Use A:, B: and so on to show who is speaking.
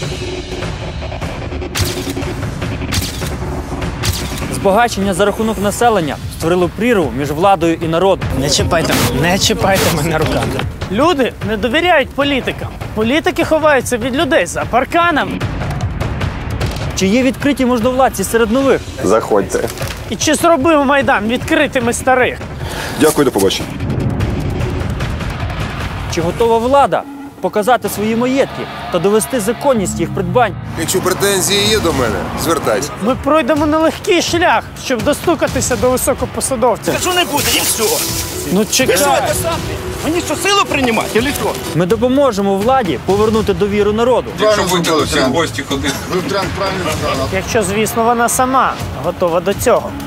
A: Збагачення за рахунок населення створило прірву між владою і народом.
B: Не чіпайте мене руками.
C: Люди не довіряють політикам. Політики ховаються від людей за парканами.
A: Чи є відкриті можновладці серед нових?
D: Заходьте.
C: І чи зробив Майдан відкритими старих?
D: Дякую, до побачення.
A: Чи готова влада показати свої маєтки та довести законність їх придбань?
E: Якщо претензії є до мене, звертайся.
C: Ми пройдемо нелегкий шлях, щоб достукатися до високопосадовців.
F: Що не буде, і все.
C: Ну чекай.
F: Мені що, силу приймати, чи що?
A: Ми допоможемо владі повернути довіру народу.
G: Якщо будете всі в гості ходити.
C: Якщо, звісно, вона сама готова до цього.